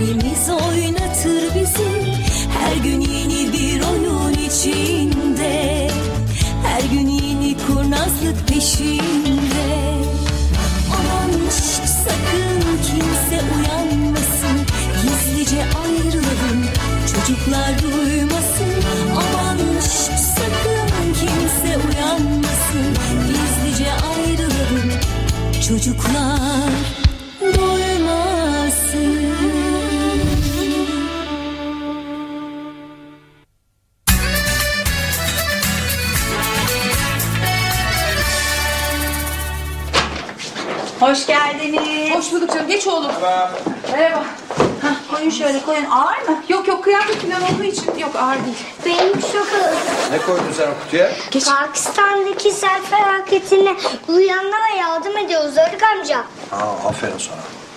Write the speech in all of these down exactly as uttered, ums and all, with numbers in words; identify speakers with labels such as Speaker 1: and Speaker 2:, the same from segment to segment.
Speaker 1: kalbimiz oynatır bizi. Her gün yeni bir oyun içinde, her gün yeni kurnazlık peşinde. Aman şş, sakın kimse uyanmasın, gizlice ayrılalım, çocuklar duymasın. Aman şş, sakın kimse uyanmasın, gizlice ayrılalım, çocuklar duymasın.
Speaker 2: Hoş geldiniz.
Speaker 3: Hoş bulduk canım. Geç oğlum.
Speaker 4: Merhaba.
Speaker 3: Merhaba.
Speaker 2: Hah, koyun şöyle koyun. Ağır mı?
Speaker 3: Yok yok, kıyafet falan olduğu için yok, ağır değil.
Speaker 5: Benim çok ağır.
Speaker 4: Ne koydun sen o kutuya?
Speaker 3: Geç.
Speaker 5: Pakistan'daki sel felaketine uyanlara yardım ediyoruz Arık amca.
Speaker 4: Aa, aferin sana.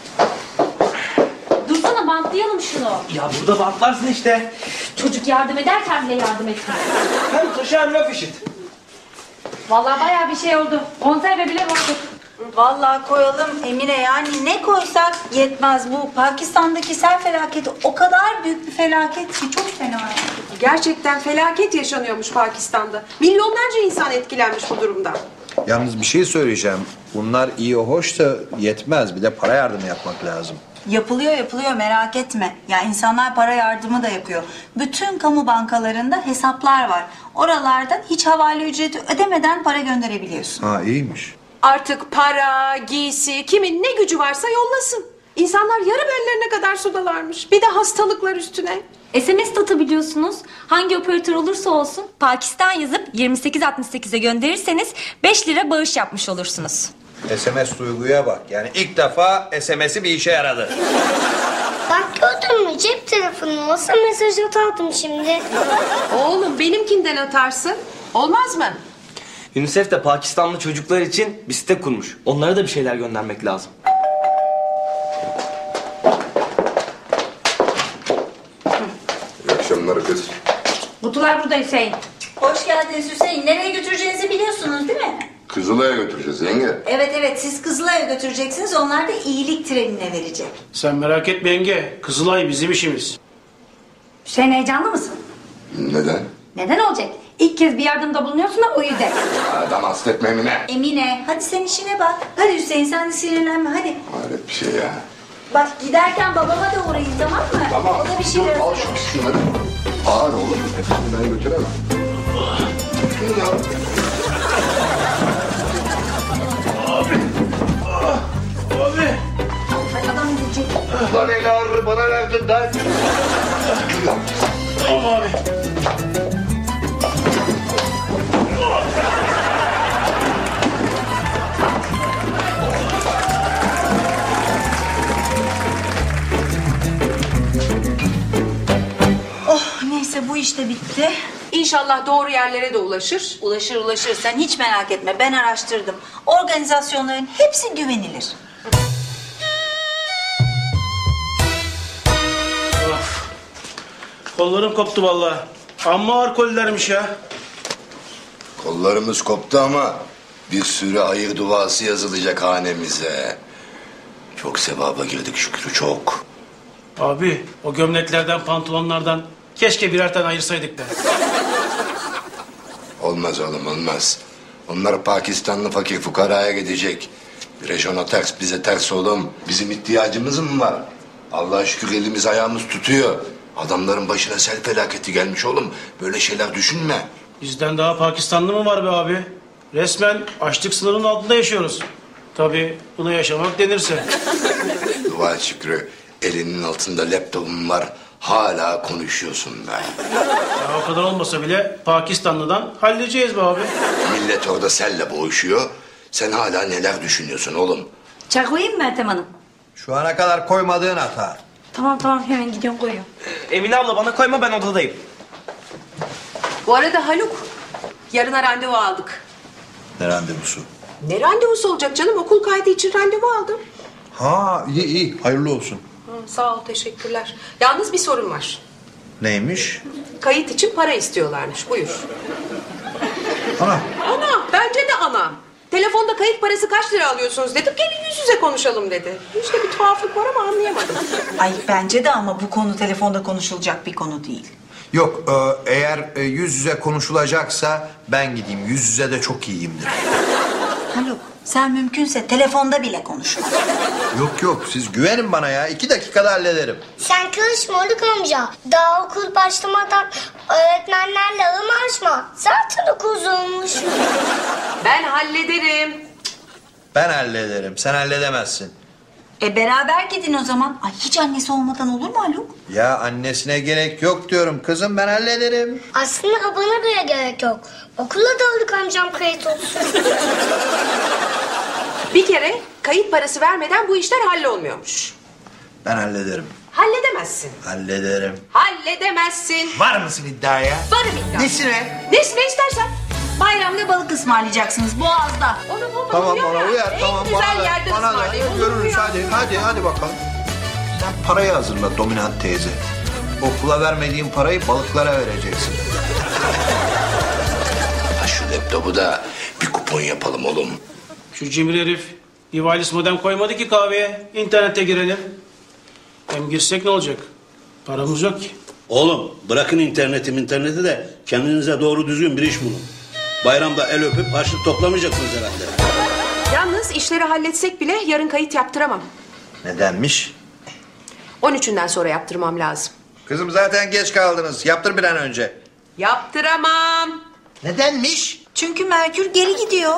Speaker 6: Dursana, bantlayalım şunu.
Speaker 7: Ya burada bantlarsın işte.
Speaker 6: Çocuk yardım ederken bile yardım etmez.
Speaker 7: Hem taşı hem laf işit.
Speaker 6: Vallahi bayağı bir şey oldu. Konserve bile vurduk.
Speaker 2: Vallahi koyalım Emine, yani ne koysak yetmez. Bu Pakistan'daki sel felaketi o kadar büyük bir felaket ki çok fena yani.
Speaker 3: Gerçekten felaket yaşanıyormuş Pakistan'da. Milyonlarca insan etkilenmiş bu durumdan.
Speaker 4: Yalnız bir şey söyleyeceğim. Bunlar iyi hoş da yetmez. Bir de para yardımı yapmak lazım.
Speaker 2: Yapılıyor yapılıyor, merak etme. Ya insanlar para yardımı da yapıyor. Bütün kamu bankalarında hesaplar var. Oralardan hiç havale ücreti ödemeden para gönderebiliyorsun.
Speaker 4: Ha, iyiymiş.
Speaker 3: Artık para, giysi, kimin ne gücü varsa yollasın. İnsanlar yarı bellerine kadar sudalarmış. Bir de hastalıklar üstüne.
Speaker 6: S M S de atabiliyorsunuz. Hangi operatör olursa olsun Pakistan yazıp yirmi sekiz altmış sekize gönderirseniz beş lira bağış yapmış olursunuz.
Speaker 4: S M S duyguya bak. Yani ilk defa S M S'i bir işe yaradı.
Speaker 5: Bak gördün mü, cep telefonum olsa mesaj atardım şimdi.
Speaker 3: Oğlum benimkinden atarsın. Olmaz mı?
Speaker 7: UNICEF de Pakistanlı çocuklar için bir site kurmuş. Onlara da bir şeyler göndermek lazım.
Speaker 8: İyi akşamlar kız.
Speaker 6: Kutular burada Hüseyin.
Speaker 2: Hoş geldiniz Hüseyin. Nereye götüreceğinizi biliyorsunuz değil mi?
Speaker 8: Kızılay'a götüreceğiz yenge.
Speaker 2: Evet evet, siz Kızılay'a götüreceksiniz. Onlar da iyilik trenine verecek.
Speaker 9: Sen merak etme yenge. Kızılay bizim işimiz.
Speaker 6: Hüseyin, heyecanlı mısın?
Speaker 8: Neden?
Speaker 6: Neden olacak? İlk kez bir yardımda bulunuyorsun da o yüzden.
Speaker 8: Adam hasta etme Emine.
Speaker 2: Emine, hadi sen işine bak. Hadi Hüseyin, sen de sinirlenme hadi.
Speaker 8: Hayret bir şey ya.
Speaker 2: Bak giderken babama da uğrayın, tamam mı?
Speaker 8: Tamam.
Speaker 2: O da bir şeyler
Speaker 8: Dur, al
Speaker 2: hazırlar.
Speaker 8: şu şunları. Ağır oğlum. Hepsini ben götüremem. Şunu ya.
Speaker 9: Abi.
Speaker 2: Hadi adam gidecek.
Speaker 8: Lan el ağrı bana verdin lan. Dur ya.
Speaker 9: Tamam abi.
Speaker 2: Oh neyse, bu iş de bitti.
Speaker 3: İnşallah doğru yerlere de ulaşır.
Speaker 2: Ulaşır ulaşır, sen hiç merak etme, ben araştırdım. Organizasyonların hepsi güvenilir.
Speaker 9: Of. Kollarım koptu vallahi. Amma ağır kollermiş ya.
Speaker 8: Kollarımız koptu ama bir sürü hayır duası yazılacak hanemize. Çok sevaba girdik Şükrü, çok.
Speaker 9: Abi o gömleklerden, pantolonlardan keşke birer tane ayırsaydık be.
Speaker 8: Olmaz oğlum, olmaz. Onlar Pakistanlı fakir fukaraya gidecek. Bir ona ters, bize ters oğlum. Bizim ihtiyacımız mı var? Allah'a şükür elimiz ayağımız tutuyor. Adamların başına sel felaketi gelmiş oğlum. Böyle şeyler düşünme.
Speaker 9: Bizden daha Pakistanlı mı var be abi? Resmen açlık sınırının altında yaşıyoruz. Tabii buna yaşamak denirse.
Speaker 8: Dua et Şükrü. Elinin altında laptopun var. Hala konuşuyorsun be.
Speaker 9: Ya o kadar olmasa bile Pakistanlı'dan halledeceğiz be abi.
Speaker 8: Millet orada selle boğuşuyor. Sen hala neler düşünüyorsun oğlum?
Speaker 6: Çay koyayım mı Meltem Hanım?
Speaker 4: Şu ana kadar koymadığın hata.
Speaker 6: Tamam tamam, hemen gidiyorum koyuyorum.
Speaker 7: Emine abla bana koyma, ben odadayım.
Speaker 3: Bu arada Haluk, yarına randevu aldık.
Speaker 4: Ne randevusu?
Speaker 3: Ne randevusu olacak canım? Okul kaydı için randevu aldım.
Speaker 4: Ha, iyi iyi. Hayırlı olsun.
Speaker 3: Hı, sağ ol, teşekkürler. Yalnız bir sorun var.
Speaker 4: Neymiş?
Speaker 3: Kayıt için para istiyorlarmış. Buyur.
Speaker 4: Ana.
Speaker 3: Ana, bence de anam. Telefonda kayıt parası kaç lira alıyorsunuz dedim. Gelin yüz yüze konuşalım dedi. İşte bir tuhaflık var ama anlayamadım.
Speaker 2: Ay bence de ama bu konu telefonda konuşulacak bir konu değil.
Speaker 4: Yok e, eğer e, yüz yüze konuşulacaksa ben gideyim. Yüz yüze de çok iyiyimdir.
Speaker 2: Haluk sen mümkünse telefonda bile konuşma.
Speaker 4: Yok yok siz güvenin bana ya. İki dakikada hallederim.
Speaker 5: Sen karışma Haluk amca. Daha okul başlamadan öğretmenlerle anlaşma. Zaten okul zormuş.
Speaker 3: Ben hallederim.
Speaker 4: Ben hallederim. Sen halledemezsin.
Speaker 2: E beraber gidin o zaman. Ay hiç annesi olmadan olur mu Haluk?
Speaker 4: Ya annesine gerek yok diyorum. Kızım ben hallederim.
Speaker 5: Aslında bana bile gerek yok. Okula da Haluk amcam kayıt olsun.
Speaker 3: Bir kere kayıt parası vermeden bu işler hallolmuyormuş.
Speaker 4: Ben hallederim.
Speaker 3: Halledemezsin.
Speaker 4: Hallederim.
Speaker 3: Halledemezsin.
Speaker 4: Var mısın iddiaya?
Speaker 3: Varım iddia.
Speaker 4: Nesine?
Speaker 3: Nesine istersen.
Speaker 2: Bayramda balık ısmarlayacaksınız Boğaz'da.
Speaker 3: Onu bana
Speaker 4: Tamam
Speaker 3: uyar
Speaker 4: bana
Speaker 3: ya.
Speaker 4: uyar.
Speaker 3: En
Speaker 4: Tamam
Speaker 3: güzel
Speaker 4: bana da.
Speaker 3: yerde
Speaker 4: Bana da.
Speaker 3: ısmarlayayım. Olur mu
Speaker 4: Görürüz
Speaker 3: ya?
Speaker 4: hadi. Hadi hadi bakalım. Sen parayı hazırla dominant teyze. Okula vermediğin parayı balıklara vereceksin.
Speaker 8: Ha şu laptopu da bir kupon yapalım oğlum.
Speaker 9: Şu cimri herif bir wireless modem koymadı ki kahveye. İnternete girelim. Hem girsek ne olacak? Paramız yok ki.
Speaker 10: Oğlum bırakın interneti interneti de kendinize doğru düzgün bir iş bulun. Bayramda el öpüp harçlık toplamayacaksınız herhalde.
Speaker 3: Yalnız işleri halletsek bile yarın kayıt yaptıramam.
Speaker 4: Nedenmiş?
Speaker 3: on üçünden sonra yaptırmam lazım.
Speaker 4: Kızım zaten geç kaldınız. Yaptır bir an önce.
Speaker 3: Yaptıramam.
Speaker 4: Nedenmiş?
Speaker 2: Çünkü Merkür geri gidiyor.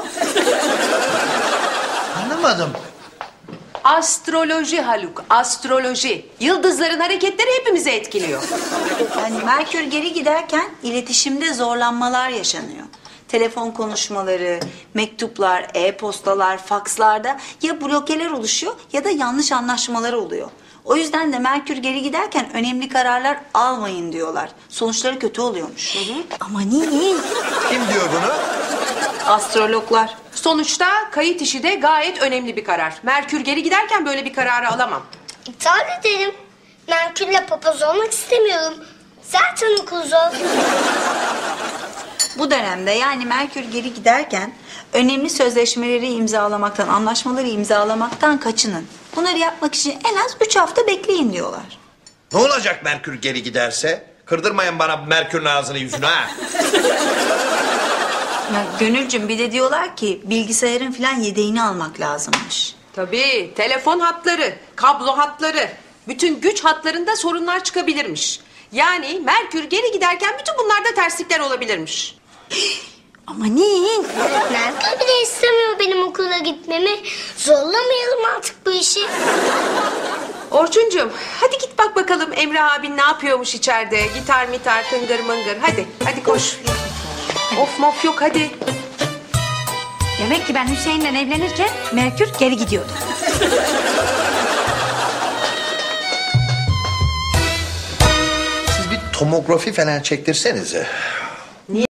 Speaker 4: Anlamadım.
Speaker 3: Astroloji Haluk, astroloji. Yıldızların hareketleri hepimizi etkiliyor.
Speaker 2: Yani Merkür geri giderken iletişimde zorlanmalar yaşanıyor. Telefon konuşmaları, mektuplar, e-postalar, fakslarda ya blokeler oluşuyor ya da yanlış anlaşmalar oluyor. O yüzden de Merkür geri giderken önemli kararlar almayın diyorlar. Sonuçları kötü oluyormuş. Hı hı. Ama niye?
Speaker 4: Kim diyor bunu?
Speaker 2: Astrologlar.
Speaker 3: Sonuçta kayıt işi de gayet önemli bir karar. Merkür geri giderken böyle bir kararı alamam.
Speaker 5: İptal edelim. Merkür'le papaz olmak istemiyorum. Zaten okul zor.
Speaker 2: Bu dönemde yani Merkür geri giderken önemli sözleşmeleri imzalamaktan, anlaşmaları imzalamaktan kaçının. Bunları yapmak için en az üç hafta bekleyin diyorlar.
Speaker 4: Ne olacak Merkür geri giderse? Kırdırmayın bana Merkür'ün ağzını yüzünü ha.
Speaker 2: Ya Gönülcüm bir de diyorlar ki bilgisayarın falan yedeğini almak lazımmış.
Speaker 3: Tabii telefon hatları, kablo hatları, bütün güç hatlarında sorunlar çıkabilirmiş. Yani Merkür geri giderken bütün bunlarda terslikler olabilirmiş.
Speaker 2: Amanin.
Speaker 5: Merkür bile istemiyor benim okula gitmemi. Zorlamayalım artık bu işi.
Speaker 3: Orçuncuğum hadi git bak bakalım Emre abin ne yapıyormuş içeride. Gitar mitar tıngır mıngır hadi hadi koş. Of mof yok hadi.
Speaker 6: Demek ki ben Hüseyin'le evlenirken Merkür geri gidiyordu.
Speaker 4: Siz bir tomografi falan çektirsenize.